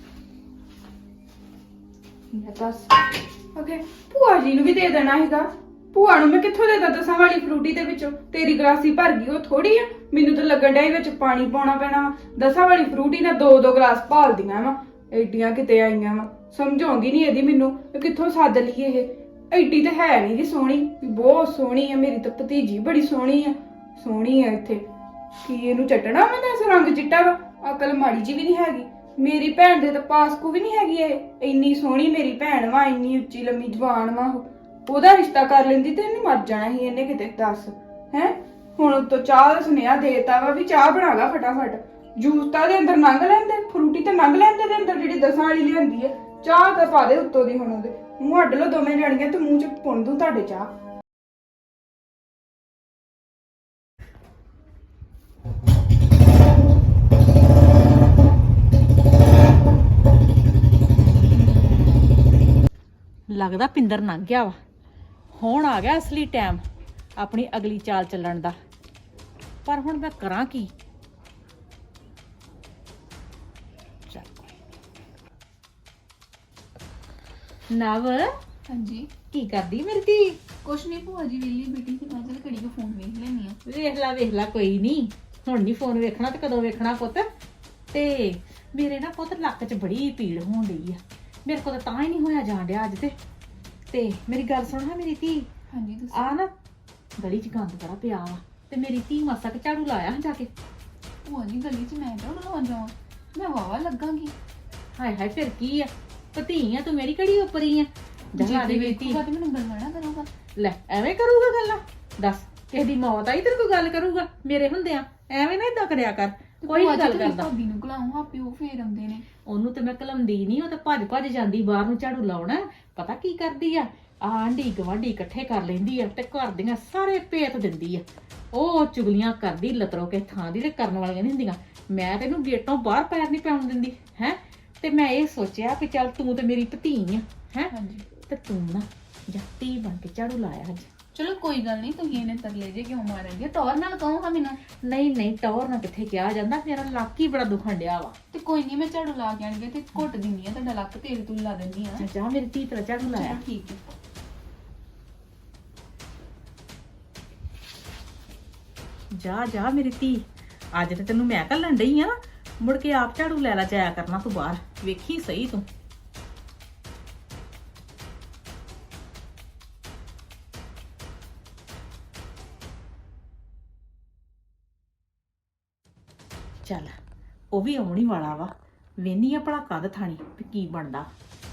Speaker 2: ਮੈਂ ਦੱਸ ਓਕੇ ਭੂਆ ਜੀ ਨੂੰ ਵੀ ਦੇ ਦੇਣਾ ਹੈਗਾ। ਭੂਆ ਨੂੰ ਮੈਂ ਕਿੱਥੋਂ ਦੇ ਦਾਂ ਦਸਾਂ ਵਾਲੀ ਫਰੂਟੀ ਦੇ ਵਿੱਚੋਂ? ਤੇਰੀ ਗਲਾਸੀ ਭਰ ਗਈ ਉਹ ਥੋੜੀ ਆ, ਮੈਨੂੰ ਤਾਂ ਲੱਗਣ ਡਿਆ ਇਹ ਵਿੱਚ ਪਾਣੀ ਪਾਉਣਾ ਪੈਣਾ ਵਾ। ਦਸਾਂ ਵਾਲੀ ਫਰੂਟੀ ਨਾਲ ਦੋ ਦੋ ਗਲਾਸ ਭਾਲਦੀਆਂ ਵਾ, ਐਡੀਆਂ ਕਿਤੇ ਆਈਆਂ ਵਾ। ਸਮਝ ਆਉਂਦੀ ਨਹੀਂ ਇਹਦੀ ਮੈਨੂੰ, ਇਹ ਕਿੱਥੋਂ ਸੱਦ ਲਈਏ ਇਹ। ਐਡੀ ਤਾਂ ਹੈ ਨਹੀਂ ਜੀ ਸੋਹਣੀ, ਵੀ ਬਹੁਤ ਸੋਹਣੀ ਆ ਮੇਰੀ ਤਾਂ ਭਤੀਜੀ, ਬੜੀ ਸੋਹਣੀ ਆ, ਸੋਹਣੀ ਆ। ਇੱਥੇ ਕੀ ਇਹਨੂੰ ਚੱਟਣਾ ਮੈਂ ਤਾਂ ਰੰਗ ਚਿੱਟਾ ਵਾ, ਅਕਲ ਮਾੜੀ ਜੀ ਵੀ ਨਹੀਂ ਹੈਗੀ। ਮੇਰੀ ਭੈਣ ਦੇ ਤਾਂ ਪਾਸਕੂ ਵੀ ਨਹੀਂ ਹੈਗੀ ਇਹ, ਇੰਨੀ ਸੋਹਣੀ ਮੇਰੀ ਭੈਣ ਵਾ, ਇੰਨੀ ਉੱਚੀ ਲੰਮੀ ਜਵਾਨ ਵਾ। ਉਹ ਉਹਦਾ ਰਿਸ਼ਤਾ ਕਰ ਲੈਂਦੀ ਤੇ ਇਹਨੇ ਮਰ ਜਾਣਾ ਸੀ ਇਹਨੇ ਕਿਤੇ। ਦੱਸ ਹੈ ਹੁਣ ਉੱਤੋਂ ਚਾਹ ਦਾ ਸੁਨੇਹਾ ਦੇਤਾ ਵਾ ਵੀ ਚਾਹ ਬਣਾ ਲਾ ਫਟਾਫਟ। ਜੂਸ ਤਾਂ ਦੇ ਅੰਦਰ ਲੰਘ ਲੈਂਦੇ, ਫਰੂਟੀ ਤਾਂ ਲੰਘ ਲੈਂਦੇ ਦੇ ਅੰਦਰ ਜਿਹੜੀ ਦਸਾਂ ਵਾਲੀ ਲਿਆਂਦੀ ਹੈ। ਚਾਹ ਤਾਂ ਪਾ ਦੇ ਉੱਤੋਂ ਦੀ, ਹੁਣ ਉਹਦੇ ਮੂੰਹ ਅੱਡ ਲੋ ਦੋਵੇਂ ਜਾਣੀਆਂ ਤੇ ਮੂੰਹ ਚ ਪੁੰਨ ਦੂੰ ਤੁਹਾਡੇ ਚਾਹ।
Speaker 1: ਲੱਗਦਾ ਪਿੰਦਰ ਲੰਘ ਗਿਆ ਵਾ, ਹੁਣ ਆ ਗਿਆ ਅਸਲੀ ਟਾਈਮ ਆਪਣੀ ਅਗਲੀ ਚਾਲ ਚੱਲਣ ਦਾ। ਪਰ ਹੁਣ ਮੈਂ ਕਰਾਂ ਕੀ? ਚੱਲ ਨਵ,
Speaker 2: ਹਾਂਜੀ
Speaker 1: ਕੀ ਕਰਦੀ ਮੇਰੀ ਧੀ?
Speaker 2: ਕੁਛ ਨਹੀਂ ਭੂਆ ਜੀ, ਵੇਲੀ ਬੇਟੀ ਤੇ ਮੈਂ ਚਲ ਘੜੀ ਕੋ ਫੋਨ ਵੇਖ ਲੈਣੀ ਆ।
Speaker 1: ਵੇਖ ਲੈ ਵੇਖ ਲੈ, ਕੋਈ ਨਹੀਂ, ਹੁਣ ਨਹੀਂ ਫੋਨ ਵੇਖਣਾ ਤੇ ਕਦੋਂ ਵੇਖਣਾ ਪੁੱਤ? ਤੇ ਮੇਰੇ ਨਾ ਪੁੱਤ ਲੱਕ 'ਚ ਬੜੀ ਪੀੜ ਹੋਣ ਡਈ ਆ, ਮੇਰੇ ਕੋਲ ਤਾਂ ਹੀ ਨਹੀਂ ਹੋਇਆ ਜਾਣ ਡਿਆ ਅੱਜ ਤੇ। ਤੇ ਮੇਰੀ ਗੱਲ ਸੁਣ ਹਾਂ ਮੇਰੀ ਧੀ,
Speaker 2: ਹਾਂਜੀ ਦੱਸੋ।
Speaker 1: ਆ ਨਾ ਗਲੀ 'ਚ ਗੰਦ ਬੜਾ ਪਿਆ ਵਾ, ਤੇ ਮੇਰੀ ਧੀ ਮਾਸਾ ਕਿ ਝਾੜੂ ਲਾਇਆ ਜਾ ਕੇ।
Speaker 2: ਭੂਆ ਜੀ ਗਲੀ 'ਚ ਮੈਂ ਝਾੜੂ ਲਾਉਣ ਜਾਵਾਂ? ਮੈਂ ਵਾਵਾ ਲੱਗਾਂਗੀ।
Speaker 1: ਹਾਏ ਹਾਏ ਫਿਰ ਕੀ ਆ, ਭਤੀ ਆ ਤੂੰ, ਮੇਰੀ ਕਿਹੜੀ ਉੱਪਰੀ ਆ? ਜਾ ਦੇ ਮੇਰੀ ਧੀ।
Speaker 2: ਵੇਖੂਗਾ ਤੇ ਮੈਨੂੰ ਗੱਲਾਂ ਨਾ ਕਰੂਗਾ।
Speaker 1: ਲੈ ਐਵੇਂ ਕਰੂਗਾ ਗੱਲਾਂ? ਦੱਸ ਕਿਸੇ ਦੀ ਮੌਤ ਆਈ ਤੇਰੇ ਕੋਈ ਗੱਲ ਕਰੂਗਾ ਮੇਰੇ ਹੁੰਦਿਆਂ? ਐਵੇਂ ਨਾ ਇਦਾਂ ਕਰਿਆ ਕਰ, ਕੋਈ ਨੀ ਗੱਲ ਕਰਦਾ।
Speaker 2: ਭਾਬੀ ਨੂੰ ਘਲਾਉਂ, ਆਪੇ ਉਹ ਫੇਰ ਆਉਂਦੇ ਨੇ।
Speaker 1: ਉਹਨੂੰ ਤੇ ਮੈਂ ਕਲਮਦੀ ਨਹੀਂ, ਉਹ ਤਾਂ ਭੱਜ ਭੱਜ ਜਾਂਦੀ ਬਾਹਰ ਨੂੰ ਝਾੜੂ ਲਾਉਣਾ। ਪਤਾ ਕੀ ਕਰਦੀ ਆ, ਆਂਢੀ ਗਵਾਂਢੀ ਇਕੱਠੇ ਕਰ ਲੈਂਦੀ ਆ ਤੇ ਘਰ ਦੀਆਂ ਸਾਰੇ ਭੇਤ ਦਿੰਦੀ ਆ। ਉਹ ਚੁਗਲੀਆਂ ਕਰਦੀ ਲਤਰੋ ਕੇ ਥਾਂ ਦੀ, ਤੇ ਕਰਨ ਵਾਲੀਆਂ ਨਹੀਂ ਹੁੰਦੀਆਂ। ਮੈਂ ਤੈਨੂੰ ਗੇਟੋਂ ਬਾਹਰ ਪੈਰ ਨਹੀਂ ਪਾਉਣ ਦਿੰਦੀ ਹੈ। ਤੇ ਮੈਂ ਇਹ ਸੋਚਿਆ ਕਿ ਚੱਲ ਤੂੰ ਤੇ ਮੇਰੀ ਭਤੀ ਆ ਹੈ,
Speaker 2: ਹਾਂਜੀ
Speaker 1: ਤੇ ਤੂੰ ਨਾ ਜੱਟੀ ਬਣ ਕੇ ਝਾੜੂ ਲਾਇਆ ਅੱਜ।
Speaker 2: ਚਲੋ ਕੋਈ ਗੱਲ ਨਹੀਂ, ਤੁਸੀਂ ਇਹਨੇ ਤਰਲੇ ਜੇ ਕਿਉਂ ਮਾਰਨਗੇ? ਟੌਰ ਨਾਲ ਕਹੋ ਹਾਂ ਮੈਨੂੰ।
Speaker 1: ਨਹੀਂ ਨਹੀਂ ਟੌਰ ਨਾ ਕਿੱਥੇ ਕਿਹਾ ਜਾਂਦਾ, ਮੇਰਾ ਲੱਕ ਹੀ ਬੜਾ ਦੁਖਣ ਡਿਆ ਵਾ।
Speaker 2: ਤੇ ਕੋਈ ਨਹੀਂ, ਮੈਂ ਝਾੜੂ ਲਾ ਕੇ ਆਣਗੇ ਤੇ ਘੁੱਟ ਦਿੰਨੀ ਆ ਤੁਹਾਡਾ ਲੱਕ, ਤੇਲ ਤੂਲ ਲਾ ਦਿੰਦੀ ਆ।
Speaker 1: ਜਾ ਮੇਰੀ ਧੀ ਤੇਰਾ ਝਾੜੂ ਲਾਇਆ।
Speaker 2: ਚਲੋ ਠੀਕ ਹੈ।
Speaker 1: ਜਾ ਜਾ ਮੇਰੀ ਧੀ, ਅੱਜ ਤੇ ਤੈਨੂੰ ਮੈਂ ਘੱਲਣ ਡਈ ਆ, ਮੁੜ ਕੇ ਆਪ ਝਾੜੂ ਲੈ ਲੈ ਜਾਇਆ ਕਰਨਾ ਤੂੰ ਬਾਹਰ, ਵੇਖੀ ਸਹੀ ਤੂੰ। ਚੱਲ ਉਹ ਵੀ ਆਉਣੀ ਵਾਲਾ ਵਾ, ਵੇਨੀ ਆ ਭਲਾ ਕਦ ਥਾਣੀ ਤੇ ਕੀ ਬਣਦਾ।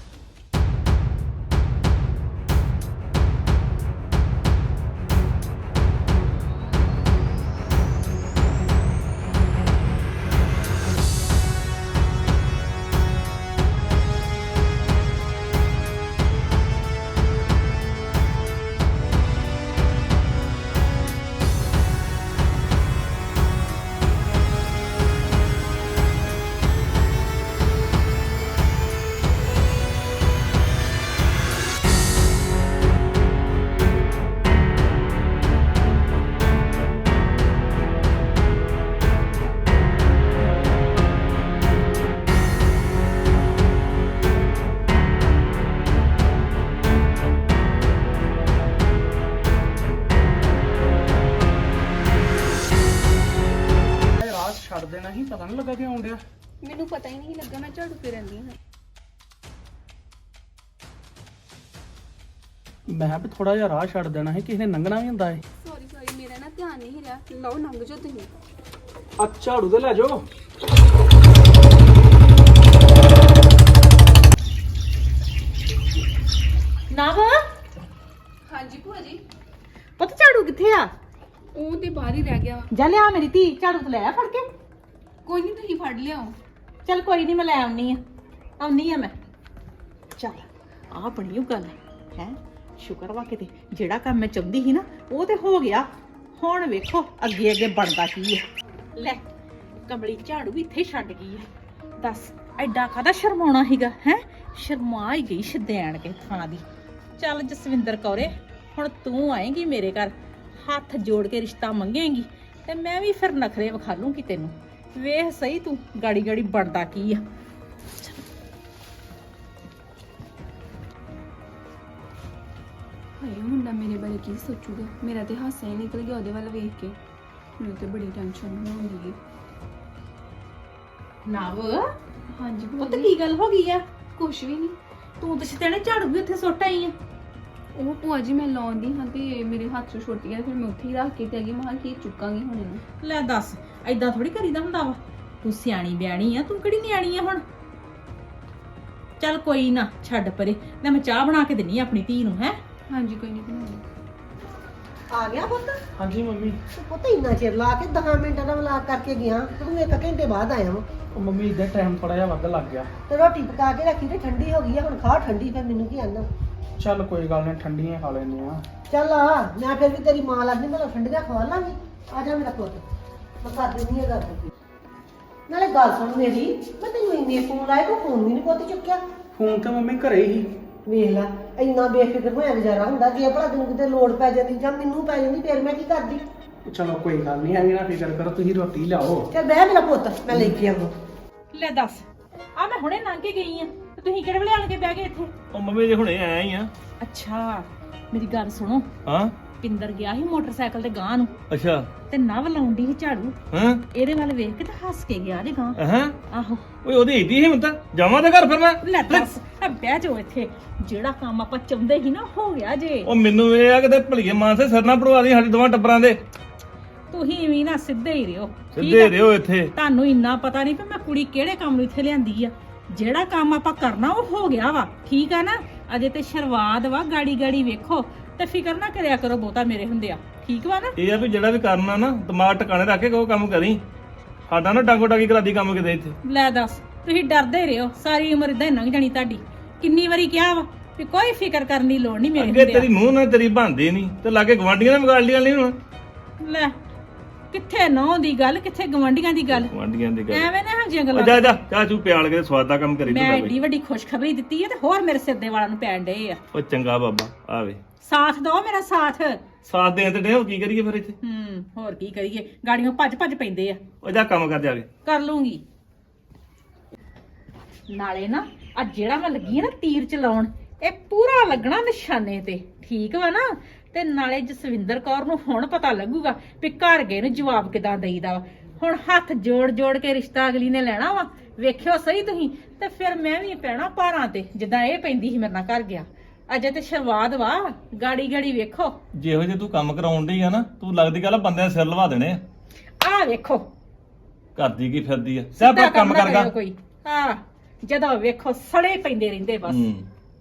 Speaker 5: ਛੱਡ ਦੇਣਾ ਸੀ, ਪਤਾ ਨਹੀਂ ਲੱਗਾ ਕਿ ਆਉਣ ਡਿਆ।
Speaker 2: ਮੈਨੂੰ ਪਤਾ ਹੀ ਨਹੀਂ ਲੱਗਾ, ਮੈਂ ਝਾੜੂ ਫੇਰਦੀ ਹਾਂ।
Speaker 5: ਮੈਂ ਕਿਹਾ ਵੀ ਥੋੜਾ ਜਿਹਾ ਰਾਹ ਛੱਡ ਦੇਣਾ ਸੀ, ਕਿਸੇ ਨੇ ਲੰਘਣਾ ਵੀ ਹੁੰਦਾ ਏ।
Speaker 2: ਸੌਰੀ ਸੌਰੀ, ਮੇਰਾ ਨਾ ਧਿਆਨ ਨਹੀਂ ਰਿਹਾ। ਲਓ ਲੰਘ ਜਾਓ ਤੁਸੀਂ।
Speaker 5: ਆ ਝਾੜੂ ਤੇ ਲੈ ਜਾਓ।
Speaker 1: ਨਵ,
Speaker 2: ਹਾਂਜੀ ਭੂਆ ਜੀ।
Speaker 1: ਪੁੱਤ ਝਾੜੂ ਕਿੱਥੇ ਆ?
Speaker 2: ਉਹ ਤੇ ਬਾਹਰ ਹੀ ਰਹਿ ਗਿਆ ਵਾ।
Speaker 1: ਜਾ ਲਿਆ ਮੇਰੀ ਧੀ, ਝਾੜੂ ਤੇ ਲੈ ਆ ਫੜ ਕੇ।
Speaker 2: ਕੋਈ ਨਹੀਂ, ਤੁਸੀਂ ਫੜ ਲਿਆਓ।
Speaker 1: ਚੱਲ ਕੋਈ ਨਹੀਂ, ਮੈਂ ਲੈ ਆਉਣੀ ਆ, ਆਉਣੀ ਆ ਮੈਂ। ਚੱਲ ਆਹ ਬਣੀ ਉਹ ਗੱਲ ਹੈ, ਸ਼ੁਕਰ ਵਾ ਕਿਤੇ ਜਿਹੜਾ ਕੰਮ ਮੈਂ ਚਾਹੁੰਦੀ ਸੀ ਨਾ ਉਹ ਤੇ ਹੋ ਗਿਆ। ਹੁਣ ਵੇਖੋ ਅੱਗੇ ਅੱਗੇ ਬਣਦਾ ਕੀ ਹੈ। ਲੈ ਕਮਲੀ ਝਾੜੂ ਵੀ ਇੱਥੇ ਛੱਡ ਗਈ ਹੈ। ਦੱਸ ਐਡਾ ਕਾਹਦਾ ਸ਼ਰਮਾਉਣਾ ਸੀਗਾ ਹੈ, ਸ਼ਰਮਾ ਹੀ ਗਈ ਸ਼ਦੈਣ ਕੇ ਥਾਂ ਦੀ। ਚੱਲ ਜਸਵਿੰਦਰ ਕੌਰੇ, ਹੁਣ ਤੂੰ ਆਏਂਗੀ ਮੇਰੇ ਘਰ, ਹੱਥ ਜੋੜ ਕੇ ਰਿਸ਼ਤਾ ਮੰਗੇਂਗੀ ਤੇ ਮੈਂ ਵੀ ਫਿਰ ਨਖਰੇ ਵਿਖਾ ਲੂੰਗੀ ਤੈਨੂੰ। ਵੇਖ ਸਹੀ ਤੂੰ ਗਾੜੀ ਗਾੜੀ ਬਣਦਾ ਕੀ ਆ।
Speaker 2: ਹਾਏ ਉਹ ਮੁੰਡਾ ਮੇਰੇ ਬਾਰੇ ਕੀ ਸੋਚੂਗਾ? ਮੇਰਾ ਤੇ ਹਾਸਾ ਹੀ ਨਿਕਲ ਗਿਆ ਉਹਦੇ ਵੱਲ ਵੇਖ ਕੇ। ਮੈਨੂੰ ਤੇ ਬੜੀ ਟੈਨਸ਼ਨ ਹੋਉਂਦੀ ਹੈ।
Speaker 1: ਨਵ
Speaker 2: ਹਾਂਜੀ
Speaker 1: ਉਹ ਤਾਂ ਕੀ ਗੱਲ ਹੋ ਗਈ ਆ?
Speaker 2: ਕੁਛ ਵੀ ਨਹੀਂ।
Speaker 1: ਤੂੰ ਤੇ ਸਿੱਧੇ ਝਾੜੂ ਵੀ ਉੱਥੇ ਸੁੱਟ ਆਈ ਆ।
Speaker 2: ਉਹ ਭੂਆ ਜੀ ਮੈਂ ਲਾਉਂਦੀ ਹਾਂ ਤੇ ਮੇਰੇ ਹੱਥ 'ਚੋਂ ਛੁੱਟ ਗਿਆ, ਫਿਰ ਮੈਂ ਉੱਥੇ ਹੀ ਰੱਖ ਕੇ ਤੇ ਅਗੀ ਮਹਾਂ ਕੀ ਚੁੱਕਾਂਗੀ ਹੁਣ ਇਹਨੂੰ।
Speaker 1: ਲੈ ਦੱਸ, ਐਦਾਂ ਥੋੜੀ ਕਰੀਦਾ ਹੁੰਦਾ ਵਾ। ਤੂੰ ਸਿਆਣੀ ਬਿਆਣੀ ਆ, ਤੂੰ ਕਿਹੜੀ ਨਿਆਣੀ ਆ ਹੁਣ। ਚੱਲ ਕੋਈ ਨਾ, ਛੱਡ ਪਰੇ। ਲੈ ਮੈਂ ਚਾਹ ਬਣਾ ਕੇ ਦਿੰਨੀ ਆ ਆਪਣੀ ਧੀ ਨੂੰ। ਹੈ
Speaker 2: ਹਾਂਜੀ ਕੋਈ ਨਹੀਂ ਬਣਾਉਂਦੀ।
Speaker 6: ਆ ਗਿਆ ਪੁੱਤ?
Speaker 5: ਹਾਂਜੀ ਮੰਮੀ।
Speaker 6: ਤੂੰ ਪੁੱਤ ਇੰਨਾ ਚਿਰ ਲਾ ਕੇ ਦਸ ਮਿੰਟਾਂ ਦਾ ਮਲਾਕ ਕਰਕੇ ਗਿਆ ਤੇ ਤੂੰ ਇੱਕ ਘੰਟੇ ਬਾਅਦ ਆਇਆ ਵਾ।
Speaker 5: ਉਹ ਮੰਮੀ ਇਦਾਂ ਟਾਈਮ ਥੋੜਾ ਜਿਹਾ ਵੱਧ ਲੱਗ ਗਿਆ।
Speaker 6: ਤੇ ਰੋਟੀ ਪਕਾ ਕੇ ਰੱਖੀ ਤੇ ਠੰਡੀ ਹੋ ਗਈ ਆ, ਹੁਣ ਖਾ ਠੰਡੀ। ਫਿਰ ਮੈਨੂੰ ਕੀ ਆਂਦਾ?
Speaker 5: ਚੱਲ ਕੋਈ ਗੱਲ ਨਹੀਂ, ਠੰਡੀਆਂ ਖਾ ਲੈਂਦੇ ਆ।
Speaker 6: ਚੱਲ ਆ, ਮੈਂ ਫਿਰ ਵੀ ਤੇਰੀ ਮਾਂ ਲੱਗਦੀ, ਮੈਂ ਠੰਡੀਆਂ ਖਵਾ ਲਾਂਗੀ। ਆ ਜਾ ਮੇਰਾ ਪੁੱਤ, ਮੈਂ ਕਰ ਦਿੰਦੀ ਆ ਗੱਲ। ਨਾਲੇ ਗੱਲ ਸੁਣ ਮੇਰੀ, ਮੈਂ ਤੈਨੂੰ ਇੰਨੇ ਫੋਨ ਲਾਏ, ਤੂੰ ਫੋਨ ਵੀ ਨਹੀਂ ਪੁੱਤ ਚੁੱਕਿਆ।
Speaker 5: ਫੋਨ ਤਾਂ ਮੰਮੀ ਘਰੇ ਹੀ।
Speaker 6: ਵੇਖ ਲੈ, ਇੰਨਾ ਬੇਫਿਕਰ ਹੋਇਆ ਗੁਜ਼ਾਰਾ ਹੁੰਦਾ। ਜੇ ਭਲਾ ਤੈਨੂੰ ਕਿਤੇ ਲੋੜ ਪੈ ਜਾਂਦੀ ਜਾਂ ਮੈਨੂੰ ਪੈ ਜਾਂਦੀ, ਫਿਰ ਮੈਂ ਕੀ ਕਰਦੀ?
Speaker 5: ਚਲੋ ਕੋਈ ਗੱਲ ਨਹੀਂ, ਐਵੇਂ ਨਾ ਫਿਕਰ ਕਰੋ, ਤੁਸੀਂ ਰੋਟੀ ਲਿਆਓ।
Speaker 6: ਚੱਲ ਬਹਿ ਮੇਰਾ ਪੁੱਤ, ਮੈਂ ਲੈ ਕੇ ਆਵਾਂ।
Speaker 1: ਲੈ ਦੱਸ, ਆ ਮੈਂ ਹੁਣੇ ਲੰਘ ਕੇ ਗਈ ਆ ਤੇ ਤੁਸੀਂ ਕਿਹੜੇ ਵੇਲੇ ਆਣ ਕੇ ਬਹਿ ਗਏ ਇੱਥੇ?
Speaker 4: ਉਹ ਮੰਮੀ ਜੇ ਹੁਣੇ ਆਇਆ ਹੀ ਆ।
Speaker 1: ਅੱਛਾ ਮੇਰੀ ਗੱਲ ਸੁਣੋ,
Speaker 4: ਹਾਂ
Speaker 1: ਪਿੰਦਰ ਗਿਆ ਸੀ ਮੋਟਰਸਾਈਕਲ ਤੇ ਗਾਂ ਨੂੰ
Speaker 4: ਅੱਛਾ
Speaker 1: ਤੇ ਨਵ ਲਾਉਂਦੀ ਸੀ ਝਾੜੂ।
Speaker 4: ਹਾਂ
Speaker 1: ਇਹਦੇ ਵੱਲ ਵੇਖ ਕੇ ਤੇ ਹੱਸ ਕੇ ਗਿਆ ਜੇ ਗਾਂ।
Speaker 4: ਹਾਂ
Speaker 1: ਆਹੋ
Speaker 4: ਓਏ ਉਹਦੀ ਏਡੀ ਹਿੰਮਤ ਆ। ਜਾਵਾਂ ਤੇ ਘਰ ਫਿਰ ਮੈਂ।
Speaker 1: ਲੈ ਦੱਸ, ਆ ਬਹਿ ਜਾਓ ਇੱਥੇ। ਜਿਹੜਾ ਕੰਮ ਆਪਾਂ ਚਾਹੁੰਦੇ ਸੀ ਨਾ ਹੋ ਗਿਆ ਜੇ।
Speaker 4: ਉਹ ਮੈਨੂੰ ਇਹ ਆ ਕਿ ਭਲੀਏ ਮਾਨਸੇ ਸਿਰ ਨਾ ਪੜਵਾ ਦੀ ਸਾਡੇ ਦੋਵਾਂ ਟੱਬਰਾਂ ਦੇ।
Speaker 1: ਤੁਸੀਂ ਵੀ ਨਾ ਸਿੱਧੇ ਹੀ ਰਿਓ।
Speaker 4: ਸਿੱਧੇ ਰਿਓ ਇੱਥੇ।
Speaker 1: ਤੁਹਾਨੂੰ ਇੰਨਾ ਪਤਾ ਨਹੀਂ ਕਿ ਮੈਂ ਕੁੜੀ ਕਿਹੜੇ ਕੰਮ ਨੂੰ ਇੱਥੇ ਲਿਆਂਦੀ ਆ। ਜਿਹੜਾ ਕੰਮ ਆਪਾਂ ਕਰਨਾ ਉਹ ਹੋ ਗਿਆ ਵਾ, ਠੀਕ ਆ ਨਾ। ਅਜੇ ਤੇ ਸ਼ੁਰੂਆਤ ਵਾ, ਗਾੜੀ ਗਾੜੀ ਵੇਖੋ ਤੇ ਫਿਕਰ ਨਾ ਕਰਿਆ ਕਰੋ ਬਹੁਤਾ ਮੇਰੇ ਹੁੰਦੇ ਆ, ਠੀਕ ਵਾ ਨਾ।
Speaker 4: ਇਹ ਆ ਵੀ ਜਿਹੜਾ ਵੀ ਕਰਨਾ ਨਾ ਦਿਮਾਗ ਟਿਕਾਣੇ ਰੱਖ ਕੇ ਕੋਈ ਕੰਮ ਕਰੀ। ਸਾਡਾ ਨਾ ਡਾਂਗੋ ਡਾਂਗੀ ਕਰਾਦੀ ਕੰਮ ਕਿਤੇ ਇੱਥੇ।
Speaker 1: ਲੈ ਦੱਸ, ਤੁਸੀਂ ਡਰਦੇ ਰਹੋ, ਸਾਰੀ ਉਮਰ ਇਦਾਂ ਲੰਘ ਜਾਣੀ ਤੁਹਾਡੀ। ਕਿੰਨੀ ਵਾਰੀ ਕਿਹਾ ਵਾ ਵੀ ਕੋਈ ਫਿਕਰ ਕਰਨ ਦੀ ਲੋੜ ਨਹੀਂ ਮੇਰੇ
Speaker 4: ਅੱਗੇ
Speaker 1: ਹੁੰਦੇ
Speaker 4: ਤੇਰੀ ਨੂੰਹ ਨਾਲ ਤੇਰੀ ਬਣਦੀ ਨਹੀਂ ਤੇ ਲਾਗੇ ਗਵਾਂਢੀਆਂ ਨੇ ਵਿਗਾੜ ਲਿਆ ਨਹੀਂ ਹੁਣ।
Speaker 1: ਲੈ ਕਿੱਥੇ ਨਹੁੰ ਦੀ ਗੱਲ, ਕਿੱਥੇ ਗਵਾਂਢੀਆਂ ਦੀ ਗੱਲ।
Speaker 4: ਗਵਾਂਢੀਆਂ ਦੀ ਗੱਲ।
Speaker 1: ਐਵੇਂ ਨਾ ਇਹੋ ਜਿਹੀਆਂ
Speaker 4: ਉਹ
Speaker 1: ਗੱਲਾਂ।
Speaker 4: ਜਾ ਜਾ ਚਾਹ ਚੂ ਪਿਆਲ ਕੇ ਸਵਾਦ ਦਾ ਕੰਮ ਕਰੀ ਤੂੰ
Speaker 1: ਮੈਂ
Speaker 4: ਤਾਂ
Speaker 1: ਏਡੀ ਵੱਡੀ ਖੁਸ਼ਖਬਰੀ ਦਿੱਤੀ ਹੈ ਤੇ ਹੋਰ ਮੇਰੇ ਸਿਰ ਦੇ ਵਾਲਾਂ ਨੂੰ ਪੈਣ ਡਏ ਆ।
Speaker 4: ਉਹ ਚੰਗਾ ਬਾਬਾ ਆਵੇ
Speaker 1: ਸਾਥ ਦਿਓ ਮੇਰਾ ਸਾਥ।
Speaker 4: ਸਾਥ ਦੇਣ ਤੇ ਡੇ ਹੋ ਕੀ ਕਰੀਏ ਫਿਰ ਇੱਥੇ।
Speaker 1: ਹੂੰ ਹੋਰ ਕੀ ਕਰੀਏ, ਗਾੜੀਆਂ ਭੱਜ ਭੱਜ ਪੈਂਦੇ ਆ।
Speaker 4: ਉਹ ਜਾ ਕੰਮ ਕਰ ਜਾ ਕੇ।
Speaker 1: ਕਰ ਲੂੰਗੀ। ਨਾਲੇ ਨਾ ਆ ਜਿਹੜਾ ਮੈਂ ਲੱਗੀ ਆ ਨਾ ਤੀਰ ਚਲਾਉਣ, ਇਹ ਪੂਰਾ ਲੱਗਣਾ ਨਿਸ਼ਾਨੇ ਤੇ, ਠੀਕ ਵਾ ਨਾ। ਤੇ ਨਾਲੇ ਜਸਵਿੰਦਰ ਕੌਰ ਨੂੰ ਹੁਣ ਪਤਾ ਲੱਗੂਗਾ ਵੀ ਘਰ ਗਏ ਨੂੰ ਜਵਾਬ ਕਿਦਾਂ ਦੇਈਦਾ ਵਾ। ਹੁਣ ਹੱਥ ਜੋੜ ਜੋੜ ਕੇ ਰਿਸ਼ਤਾ ਅਗਲੀ ਨੇ ਲੈਣਾ ਵਾ, ਵੇਖਿਓ ਸਹੀ ਤੁਸੀਂ। ਤੇ ਫਿਰ ਮੈਂ ਵੀ ਪੈਣਾ ਭਾਰਾਂ ਤੇ, ਜਿੱਦਾਂ ਇਹ ਪੈਂਦੀ ਸੀ ਮੇਰੇ ਨਾਲ ਘਰ ਗਿਆ। ਅਜੇ ਤੇ ਸ਼ੁਰੂਆਤ ਵਾ, ਗਾੜੀ ਗਾੜੀ ਵੇਖੋ।
Speaker 4: ਜਿਹੋ ਜੇ ਤੂੰ ਕੰਮ ਕਰਾਉਣ ਡਈ ਆ ਨਾ, ਤੂੰ ਲੱਗਦੀ ਗੱਲ ਬੰਦਿਆਂ ਦੇ ਸਿਰ ਲਵਾ ਦੇਣੇ ਆ।
Speaker 1: ਆਹ ਵੇਖੋ
Speaker 4: ਕਰਦੀ ਕੀ ਫਿਰਦੀ ਆ। ਸਭ ਕੰਮ
Speaker 1: ਨਾ
Speaker 4: ਕਰਗਾ
Speaker 1: ਕਰਿਓ ਕੋਈ। ਹਾਂ ਜਦੋਂ ਵੇਖੋ ਸੜੇ ਪੈਂਦੇ ਰਹਿੰਦੇ ਬਸ।
Speaker 4: ਹੂੰ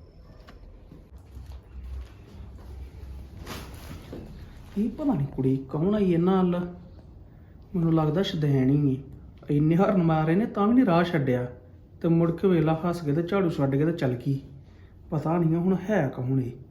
Speaker 5: ਇਹ ਪਤਾ ਨਹੀਂ ਕੁੜੀ ਕੌਣ ਆਈ ਇਹਨਾਂ ਨਾਲ। ਮੈਨੂੰ ਲੱਗਦਾ ਸ਼ਦੈਣ ਹੀ ਹੈ। ਇੰਨੇ ਹਰਨ ਮਾਰੇ ਨੇ ਤਾਂ ਵੀ ਨਹੀਂ ਰਾਹ ਛੱਡਿਆ ਤੇ ਮੁੜ ਕੇ ਵੇਲਾ ਹੱਸ ਕੇ ਤੇ ਝਾੜੂ ਛੱਡ ਕੇ ਤੇ ਚੱਲ ਗਈ। ਪਤਾ ਨਹੀਂ ਹੁਣ ਹੈ ਕੌਣ ਇਹ।